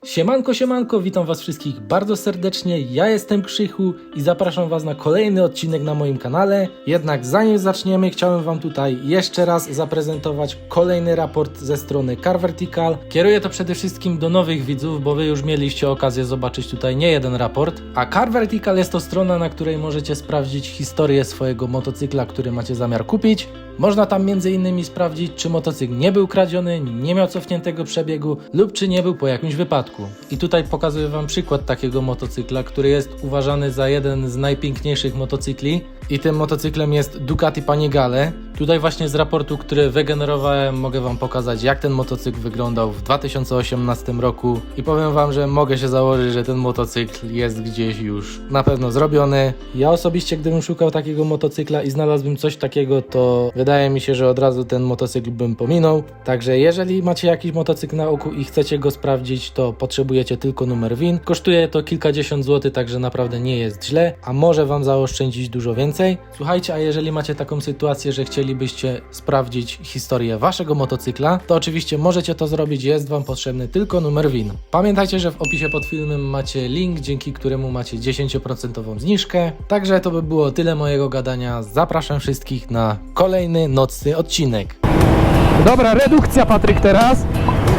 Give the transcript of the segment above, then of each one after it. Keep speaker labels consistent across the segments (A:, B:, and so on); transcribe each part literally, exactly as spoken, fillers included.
A: Siemanko, siemanko, witam was wszystkich bardzo serdecznie, ja jestem Krzychu i zapraszam was na kolejny odcinek na moim kanale. Jednak zanim zaczniemy, chciałem wam tutaj jeszcze raz zaprezentować kolejny raport ze strony Car Vertical. Kieruję to przede wszystkim do nowych widzów, bo wy już mieliście okazję zobaczyć tutaj nie jeden raport. A Car Vertical jest to strona, na której możecie sprawdzić historię swojego motocykla, który macie zamiar kupić. Można tam między innymi sprawdzić, czy motocykl nie był kradziony, nie miał cofniętego przebiegu lub czy nie był po jakimś wypadku. I tutaj pokazuję wam przykład takiego motocykla, który jest uważany za jeden z najpiękniejszych motocykli. I tym motocyklem jest Ducati Panigale. Tutaj właśnie z raportu, który wygenerowałem, mogę wam pokazać, jak ten motocykl wyglądał w dwa tysiące osiemnastym roku. I powiem wam, że mogę się założyć, że ten motocykl jest gdzieś już na pewno zrobiony. Ja osobiście, gdybym szukał takiego motocykla i znalazłbym coś takiego, to wydaje mi się, że od razu ten motocykl bym pominął. Także jeżeli macie jakiś motocykl na oku i chcecie go sprawdzić, to potrzebujecie tylko numer V I N. Kosztuje to kilkadziesiąt złotych, także naprawdę nie jest źle, a może wam zaoszczędzić dużo więcej. Słuchajcie, a jeżeli macie taką sytuację, że chcielibyście sprawdzić historię waszego motocykla, to oczywiście możecie to zrobić, jest wam potrzebny tylko numer V I N. Pamiętajcie, że w opisie pod filmem macie link, dzięki któremu macie dziesięć procent zniżkę. Także to by było tyle mojego gadania. Zapraszam wszystkich na kolejny nocny odcinek.
B: Dobra, redukcja, Patryk, teraz.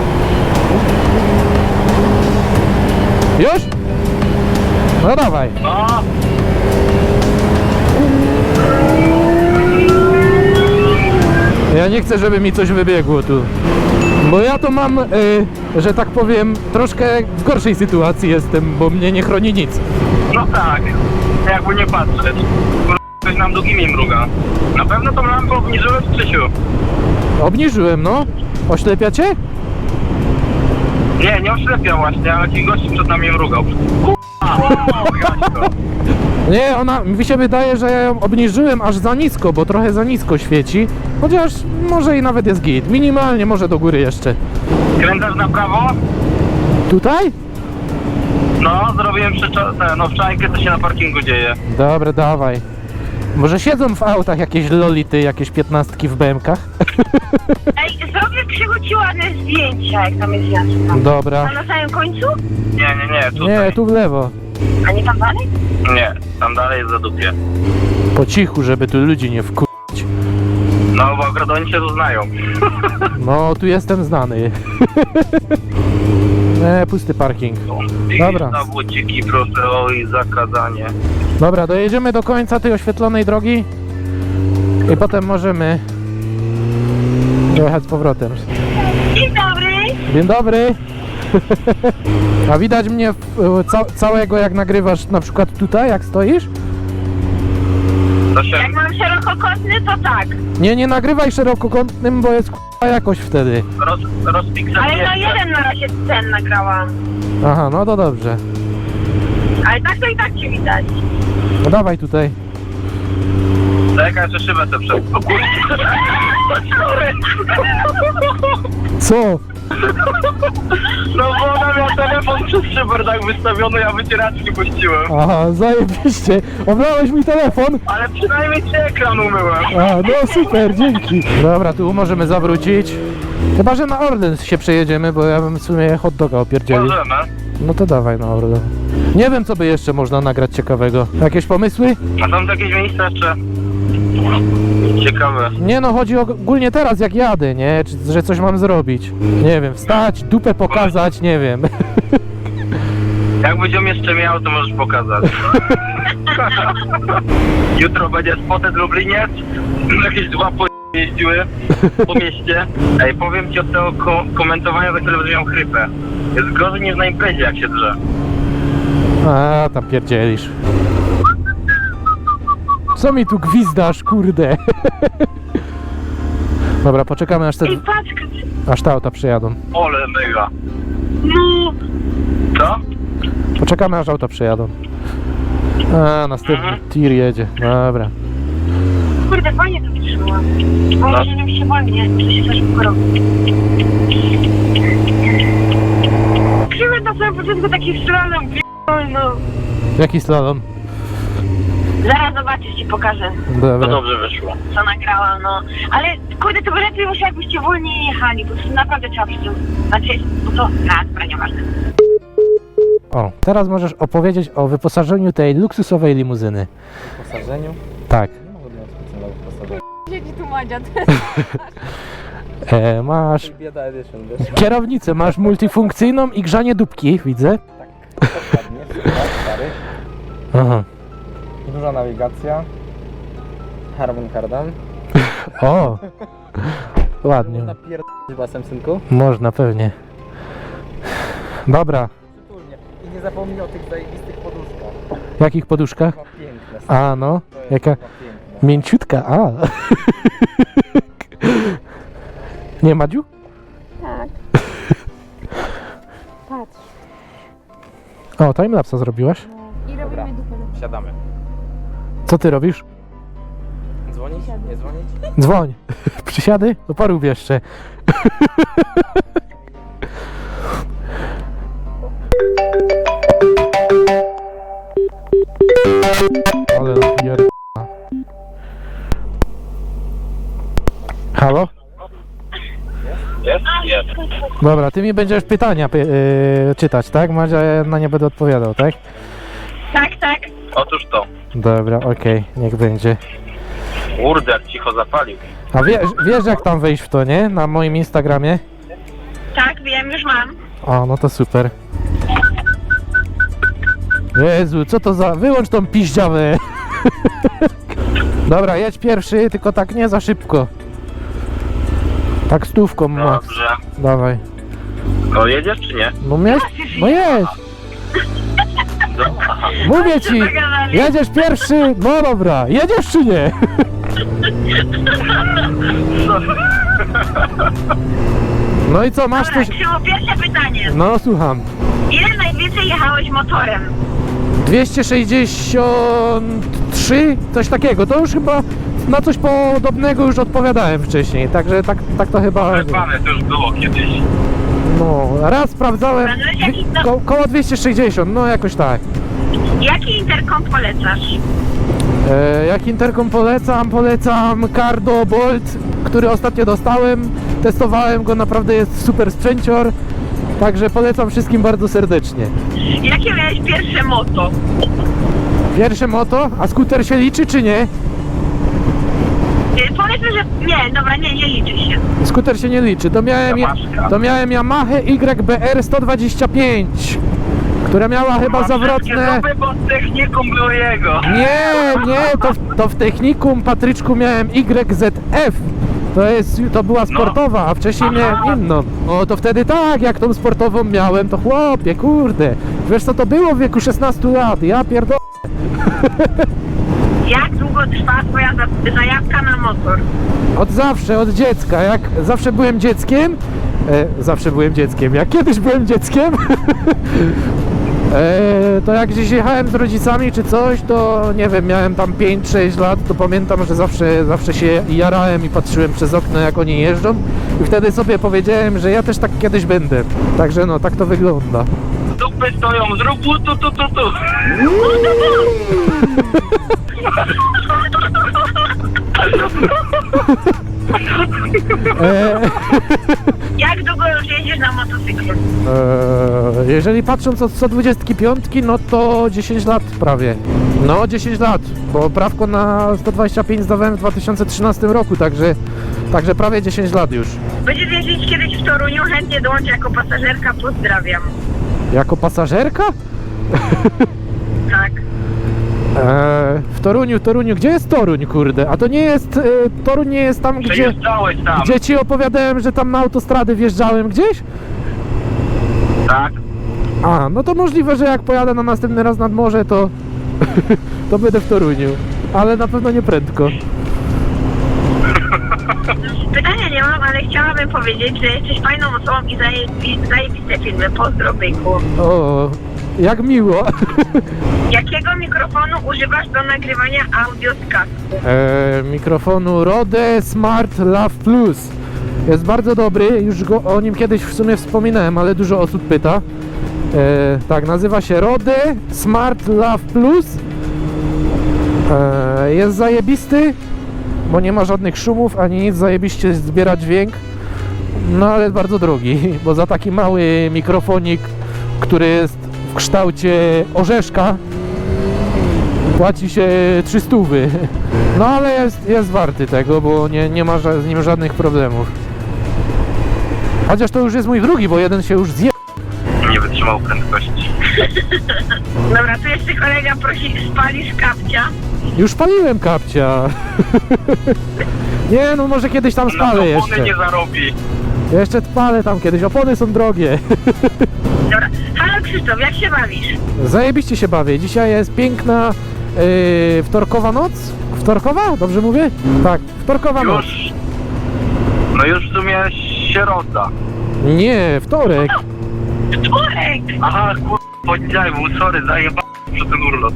B: Już? No dawaj.
C: No,
B: Ja nie chcę, żeby mi coś wybiegło tu. Bo ja to mam, y, że tak powiem, troszkę w gorszej sytuacji jestem, bo mnie nie chroni nic.
C: no tak, jakby nie patrzeć. Kur- Ktoś nam długimi mruga. Na pewno tą lampę obniżyłem w Krzysiu.
B: Obniżyłem, no. Oślepia cię?
C: Nie, nie oślepiał właśnie, ale ci gości przed nami mrugał. K***a!
B: Nie, ona, mi się wydaje, że ja ją obniżyłem aż za nisko, bo trochę za nisko świeci. Chociaż może i nawet jest git. Minimalnie, może do góry jeszcze.
C: Kręcasz na prawo?
B: Tutaj?
C: No, zrobiłem przycza- no, wczajkę, co się na parkingu dzieje.
B: Dobra, dawaj. Może siedzą w autach jakieś lolity, jakieś piętnastki w B M kach?
D: Ej, zrobię Krzychu ci ładne zdjęcia, jak tam jest miasto.
B: Dobra.
D: A na samym końcu?
C: Nie, nie, nie, tutaj.
B: Nie, tu w lewo.
D: A nie tam dalej?
C: Nie, tam dalej jest za dupie.
B: Po cichu, żeby tu ludzi nie wku...
C: No, bo akurat oni się tu znają.
B: No, tu jestem znany. Nie, pusty parking. Dobra.
C: Na buciki, proszę o i zakazanie.
B: Dobra, dojedziemy do końca tej oświetlonej drogi i potem możemy dojechać z powrotem.
D: Dzień dobry.
B: Dzień dobry. A widać mnie w- ca całego, jak nagrywasz na przykład tutaj, jak stoisz?
C: To się...
D: Jak mam szerokokątny, to tak.
B: Nie, nie nagrywaj szerokokątnym, bo jest k***a jakość wtedy.
C: Roz, rozpiksel
D: Ale no
C: nie
D: jeden na razie ten nagrałam.
B: Aha, no to dobrze.
D: Ale tak to i tak cię widać.
B: No dawaj tutaj.
C: Czekaj, że szybę te przed... O kurde! Sorry!
B: Co?
C: No bo ona miała telefon przez szybę tak wystawiony, ja wycieraczki puściłem.
B: Aha, zajebiście. Oblałeś mi telefon?
C: Ale przynajmniej ci ekran umyłem.
B: A, no super, dzięki. Dobra, tu możemy zawrócić. Chyba, że na Orlen się przejedziemy, bo ja bym w sumie hot doga opierdzielił.
C: Możemy.
B: No to dawaj na Orlen. Nie wiem, co by jeszcze można nagrać ciekawego. Jakieś pomysły?
C: A tam jakieś miejsce jeszcze... Ciekawe.
B: Nie no, chodzi ogólnie teraz jak jadę, nie? Czy, że coś mam zrobić. Nie wiem, wstać, dupę pokazać, nie wiem.
C: Jak będziemy jeszcze miał, to możesz pokazać. Jutro będzie Spotted Lubliniec. Jakieś dwa po... jeździły po mieście. Ej, powiem ci od tego ko komentowania, za które będę miał chrypę. Jest gorzej niż na imprezie, jak się drze.
B: A, tam pierdzielisz. Co mi tu gwizdasz, kurde? Dobra, poczekamy aż te,
D: Ej, patrz,
B: aż te auta przyjadą.
C: Ole mega.
D: no.
C: Co?
B: Poczekamy aż auta przyjadą. A, następny
C: Mhm.
B: tir jedzie. Dobra.
D: Kurde, fajnie to wytrzymałam. Bo może nie mi się wolnie, to się za szybko robi. Krzywy na samym początku taki slalom, no.
B: Jaki slalom?
D: Zaraz zobaczysz, ci pokażę,
C: To
B: Dobra.
C: dobrze wyszło.
D: co nagrałam, no. Ale kurde, to by lepiej było, jakbyście wolniej jechali, bo to naprawdę trzeba przy tym... Znaczy, bo to... A, dobra, nieważne.
B: O, teraz możesz opowiedzieć o wyposażeniu tej luksusowej limuzyny.
E: W posażeniu?
B: Tak.
E: Nie mogę mieć specjalnego wyposażenia.
F: Siedzi tu Madzia.
B: E, masz
E: Bieda Edition, wiesz?
B: kierownicę, masz multifunkcyjną i grzanie dupki, widzę.
E: Tak, dokładnie, super, stary.
B: Aha.
E: Duża nawigacja. Harman Kardon.
B: O, ładnie.
E: Można pierdolić basem, synku?
B: Można, pewnie. Dobra,
E: Przytulnie. I nie zapomnij o tych zajebistych poduszkach.
B: w jakich poduszkach?
E: Chyba piękne. stary.
B: A, no,
E: To jest
B: jaka
E: chyba piękne.
B: mięciutka, a. Nie, Madziu?
F: Tak. Patrz.
B: O, timelapsa zrobiłaś?
F: I
E: Dobra.
F: robimy dupę.
E: Siadamy.
B: Co ty robisz?
E: Dzwonić? Nie dzwonić?
B: Dzwoń. Przysiady? No porób jeszcze. Ale pier... Halo?
C: Jest? Jest.
B: Dobra, ty mi będziesz pytania py- yy, czytać, tak? Madzia, ja na nie będę odpowiadał, tak?
D: Tak, tak.
C: Otóż to.
B: Dobra, okej, niech będzie.
C: Kurde, jak cicho zapalił.
B: A wiesz, wiesz jak tam wejść w to, nie? Na moim Instagramie?
D: Tak, wiem, już mam.
B: O, no to super. Jezu, co to za... Wyłącz tą piździawę. Dobra, jedź pierwszy, tylko tak nie za szybko. Tak stówką, max.
C: Dobrze.
B: Dawaj.
C: No jedziesz czy nie?
B: No miałeś... No jedź.
C: No, aha.
B: Mówię ci, jedziesz pierwszy, no dobra, jedziesz czy nie? No i co, masz
D: Dobra,
B: coś...
D: Krzywo, pierwsze pytanie.
B: No słucham.
D: Ile najwięcej jechałeś motorem?
B: dwieście sześćdziesiąt trzy, coś takiego, to już chyba na coś podobnego już odpowiadałem wcześniej, także tak, tak to chyba...
C: Pany, to już było kiedyś.
B: No, raz sprawdzałem,
D: No, no, jaki to-
B: ko koło dwieście sześćdziesiąt, no jakoś tak.
D: Jaki interkom polecasz?
B: E, jak interkom polecam, polecam Cardo Bolt, który ostatnio dostałem, testowałem go, naprawdę jest super sprzęcior, także polecam wszystkim bardzo serdecznie.
D: Jakie miałeś pierwsze moto?
B: Pierwsze moto, a skuter się liczy czy nie?
D: Y, Powiedzmy, że nie, dobra, nie, nie liczy się.
B: Skuter się nie liczy, to miałem,
C: Yamaszka.
B: to miałem Yamaha Y B R sto dwadzieścia pięć, która miała chyba
C: Mam
B: zawrotne...
C: wszystkie zupy, bo z techniką było jego.
B: Nie, nie, to, w- to w technikum, Patryczku, miałem Y Z F. To jest, to była sportowa, a wcześniej
C: Aha.
B: miałem inną. O, to wtedy tak, jak tą sportową miałem, to chłopie, kurde. Wiesz co to było w wieku szesnastu lat? Ja pierdolę.
D: Jak długo trwa twoja za- zajawka na motor?
B: Od zawsze, od dziecka. Jak zawsze byłem dzieckiem, e, zawsze byłem dzieckiem, jak kiedyś byłem dzieckiem, e, to jak gdzieś jechałem z rodzicami czy coś, to nie wiem, miałem tam pięć sześć lat, to pamiętam, że zawsze, zawsze się jarałem i patrzyłem przez okno, jak oni jeżdżą i wtedy sobie powiedziałem, że ja też tak kiedyś będę. Także no, tak to wygląda.
C: Dupy stoją, zrób tu, tu, tu, tu, tu.
B: E,
D: Jak długo już jeździsz na motocyklu?
B: e, jeżeli patrząc od sto dwudziestki piątki, no to dziesięć lat prawie. No dziesięć lat, bo prawko na sto dwadzieścia pięć zdawałem w dwa tysiące trzynastym roku, także, także prawie dziesięć lat już.
D: Będziesz jeździć kiedyś w Toruniu, chętnie dołączę jako pasażerka, pozdrawiam.
B: Jako pasażerka?
D: Tak.
B: E, w Toruniu, Toruniu, gdzie jest Toruń, kurde? A to nie jest, e, Toruń nie jest tam, gdzie,
C: Przejeżdżałeś tam.
B: gdzie ci opowiadałem, że tam na autostrady wjeżdżałem gdzieś?
C: Tak.
B: A, no to możliwe, że jak pojadę na następny raz nad morze, to, to będę w Toruniu. Ale na pewno nie prędko.
D: Pytania nie mam, ale chciałabym powiedzieć, że jesteś fajną osobą i zajebi- zajebiste filmy. Pozdro, byku.
B: O, jak miło.
D: Jakiego mikrofonu używasz do nagrywania audio z kasku?
B: E, mikrofonu Rode Smart Lav Plus. Jest bardzo dobry, już go, o nim kiedyś w sumie wspominałem, ale dużo osób pyta. E, tak, nazywa się Rode Smart Lav Plus. E, jest zajebisty, bo nie ma żadnych szumów, ani nic, zajebiście zbiera dźwięk. No ale jest bardzo drogi, bo za taki mały mikrofonik, który jest w kształcie orzeszka płaci się trzy stówy. No ale jest, jest warty tego, bo nie, nie ma ża- z nim żadnych problemów. Chociaż to już jest mój drugi, bo jeden się już zje...
C: Nie wytrzymał prędkości.
D: Dobra, tu jeszcze kolega prosi, spalisz kapcia.
B: Już paliłem kapcia. Nie, no może kiedyś tam
C: Na
B: spalę
C: opony
B: jeszcze.
C: nie zarobi.
B: Jeszcze spalę tam kiedyś, opony są drogie.
D: Dobra, halo Krzysztof, jak się bawisz?
B: Zajebiście się bawię. Dzisiaj jest piękna yy, wtorkowa noc. Wtorkowa? Dobrze mówię? Tak, wtorkowa noc.
C: Już... No już w sumie środa.
B: Nie, wtorek.
D: Wtorek!
C: Aha, kur... poniedziałek był, sorry, zajebałem przez ten urlop.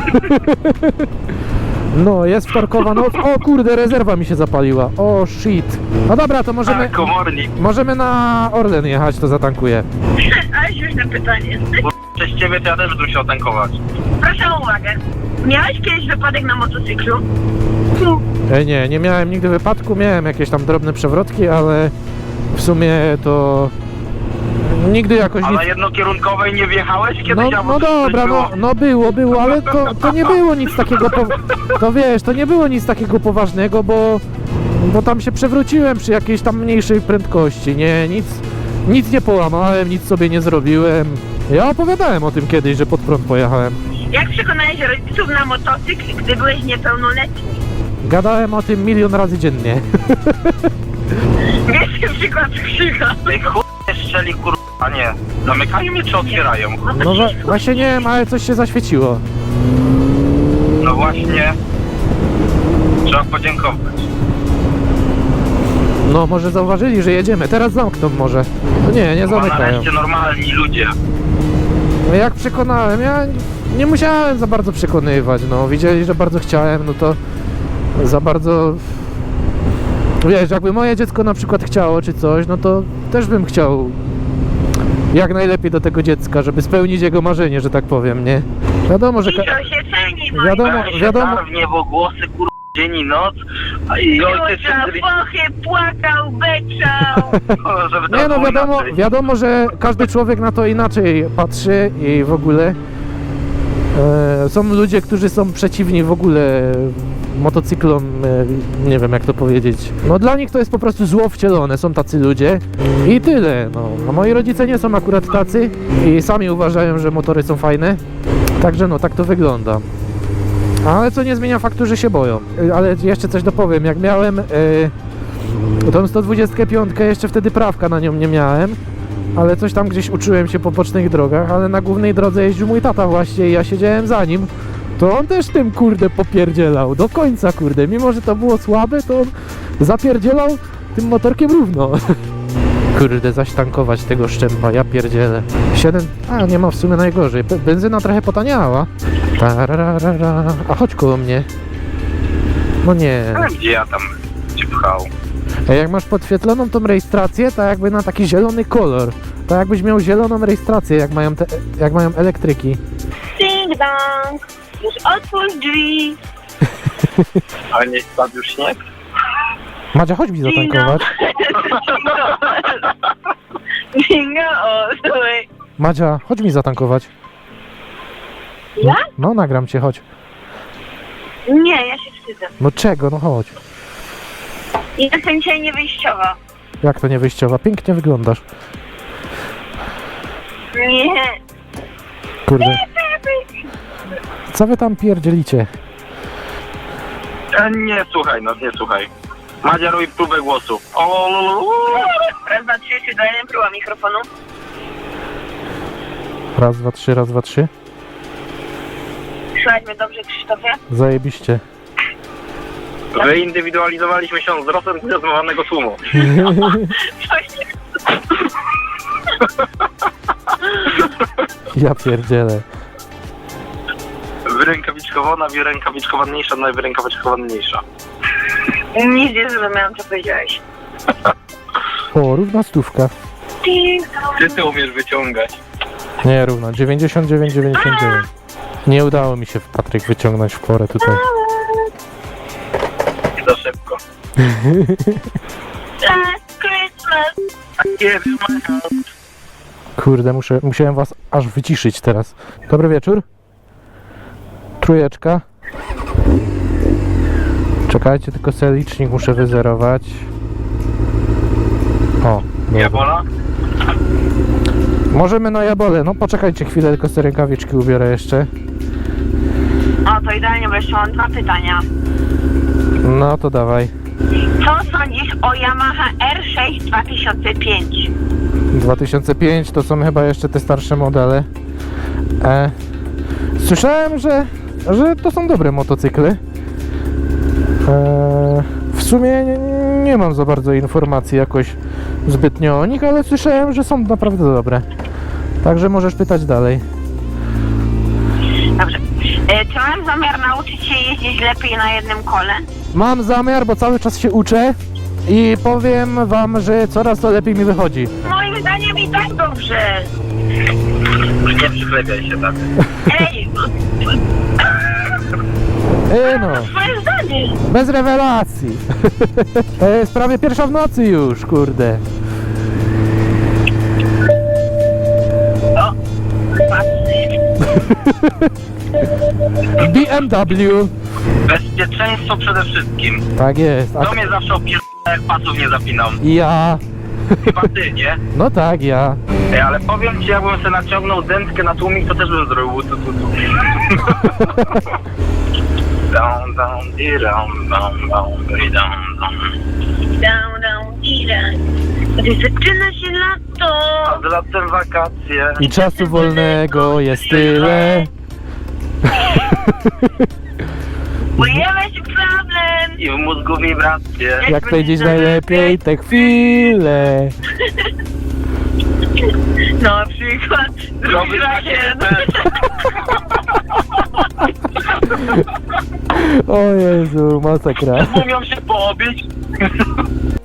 B: No, jest wtorkowa noc. O kurde, rezerwa mi się zapaliła. O shit. No dobra, to możemy,
C: Tak, komornik.
B: możemy na Orlen jechać, to zatankuję.
D: Ale śmieszne pytanie.
C: Bo przez ciebie to ja też bym musiał tankować.
D: Proszę o uwagę. Miałeś kiedyś wypadek na motocyklu?
B: E, nie, nie miałem nigdy wypadku, miałem jakieś tam drobne przewrotki, ale w sumie to nigdy jakoś
C: A
B: nic...
C: na jednokierunkowej nie wjechałeś kiedyś?
B: No,
C: albo
B: no
C: coś
B: dobra,
C: było?
B: no, no było, było, ale to, to nie było nic takiego, po... to wiesz, to nie było nic takiego poważnego, bo, bo tam się przewróciłem przy jakiejś tam mniejszej prędkości, nie, nic, nic nie połamałem, nic sobie nie zrobiłem. Ja opowiadałem o tym kiedyś, że pod prąd pojechałem.
D: Jak przekonałeś rodziców na motocykl, gdy byłeś niepełnoletni?
B: Gadałem o tym milion razy dziennie.
D: Wiesz ten przykład Krzycha?
C: Ej, chuj szczeli, kur... A nie, zamykają mnie czy otwierają?
B: No wa- właśnie nie wiem, ale coś się zaświeciło.
C: No właśnie, trzeba podziękować.
B: No może zauważyli, że jedziemy, teraz zamkną może. No nie, nie
C: Chyba
B: zamykają.
C: nareszcie normalni ludzie.
B: No jak przekonałem, ja nie musiałem za bardzo przekonywać, no widzieli, że bardzo chciałem, no to za bardzo... Wiesz, jakby moje dziecko na przykład chciało czy coś, no to też bym chciał jak najlepiej do tego dziecka, żeby spełnić jego marzenie, że tak powiem, nie? Wiadomo, że... Ka-
D: Dzisiaj się ceni, moi
B: Wiadomo,
C: Weź
B: wiadomo.
C: się w niebo głosy, kur... dzień i noc. A i ojciec
D: Józia,
C: się
D: pochy, płakał, beczał.
C: żeby to
B: Nie no,
C: było
B: wiadomo,
C: inaczej.
B: wiadomo, że każdy człowiek na to inaczej patrzy i w ogóle e, są ludzie, którzy są przeciwni w ogóle motocyklom, e, nie wiem jak to powiedzieć. No dla nich to jest po prostu zło wcielone, są tacy ludzie i tyle. No. A moi rodzice nie są akurat tacy i sami uważają, że motory są fajne. Także no, tak to wygląda. Ale co nie zmienia faktu, że się boją. E, Ale jeszcze coś dopowiem, jak miałem... E, Tą sto dwudziestkę pięć jeszcze wtedy prawka na nią nie miałem, ale coś tam gdzieś uczyłem się po bocznych drogach, ale na głównej drodze jeździł mój tata właśnie i ja siedziałem za nim, to on też tym kurde popierdzielał, do końca kurde, mimo że to było słabe, to on zapierdzielał tym motorkiem równo. Kurde, zaś tankować tego szczępa, ja pierdzielę. siedem, a nie ma w sumie najgorzej, Be- benzyna trochę potaniała. Tararara. A chodź koło mnie. No nie.
C: Ale gdzie ja tam cię pchał?
B: A jak masz podświetloną tą rejestrację, to jakby na taki zielony kolor. To jakbyś miał zieloną rejestrację, jak mają, te, jak mają elektryki.
D: Ding dong, już otwórz drzwi.
C: Ale nie spadł już śnieg?
B: Madzia, chodź mi zatankować.
D: Ding dong,
B: Madzia, chodź mi zatankować.
D: Ja?
B: No, nagram cię, chodź.
D: Nie, ja się wstydzę.
B: No czego, no chodź.
D: Jestem dzisiaj niewyjściowa.
B: Jak to nie wyjściowa? Pięknie wyglądasz.
D: Nie.
B: Kurde. Co wy tam pierdzielicie?
C: E, nie słuchaj, no nie słuchaj. Madzia robi próbę głosu. O,
D: Raz, dwa, trzy, trzy, dwa, jeden, próba mikrofonu.
B: Raz, dwa, trzy, raz, dwa, trzy.
D: Słychać mnie dobrze, Krzysztofie?
B: Zajebiście.
C: Wyindywidualizowaliśmy się wzrostem zdecydowanego tłumu.
D: Coś nie...
B: Ja pierdzielę.
C: Wyrękawiczkowana, wyrękawiczkowaniejsza, najwyrękawiczkowaniejsza.
D: Nic nie zrozumiałam, co powiedziałeś.
B: O, równa stówka.
D: Ding dong.
C: Ty ty umiesz wyciągać.
B: Nie, równa. dziewięćdziesiąt dziewięć, dziewięćdziesiąt dziewięć. Nie udało mi się, Patryk, wyciągnąć w porę tutaj.
C: Nie za szybko.
D: Last Christmas.
C: Give you my heart.
B: Kurde, muszę, musiałem was aż wyciszyć teraz. Dobry wieczór. Trójeczka. Czekajcie, tylko sobie licznik muszę wyzerować. O, dobra.
C: Jabola?
B: Możemy na jabole. No poczekajcie chwilę, tylko sobie rękawiczki ubiorę jeszcze.
D: O, to idealnie, bo jeszcze mam dwa pytania.
B: No to dawaj.
D: Co sądzisz o Yamaha R sześć dwa tysiące pięć?
B: dwa tysiące pięć to są chyba jeszcze te starsze modele. E, słyszałem, że, że to są dobre motocykle. E, w sumie nie, nie mam za bardzo informacji jakoś zbytnio o nich, ale słyszałem, że są naprawdę dobre. Także możesz pytać dalej.
D: Dobrze. E, czy mam zamiar nauczyć się jeździć lepiej na jednym kole?
B: Mam zamiar, bo cały czas się uczę i powiem wam, że coraz to lepiej mi wychodzi.
D: Moim zdaniem i tak dobrze.
C: Nie przychlebiaj się tak.
D: Ej,
B: E, no,
D: twoje zdanie.
B: bez rewelacji. To jest prawie pierwsza w nocy już, kurde.
D: O, patrzcie.
B: B M W.
C: Bezpieczeństwo przede wszystkim.
B: Tak jest. A
C: To mnie zawsze opierdala, jak pasów nie zapinam.
B: ja.
C: Chyba ty, nie?
B: No tak, ja.
C: Ej, ale powiem ci, jakbym sobie naciągnął dętkę na tłumik, to też bym zrobił tu, tu, tu. Down, down, di, down, down, down, di, down, down.
D: Down, down, ira. Gdy zaczyna się lato.
C: A z latem wakacje.
B: I czasu wolnego jest tyle.
D: Pojawia się problem.
C: I w mózgu wibracje.
B: Jak powiedzieć najlepiej te chwile.
D: Na przykład
C: Robisz
D: drugi
C: rakietę.
B: O Jezu, masakra.
C: Umią się poobić.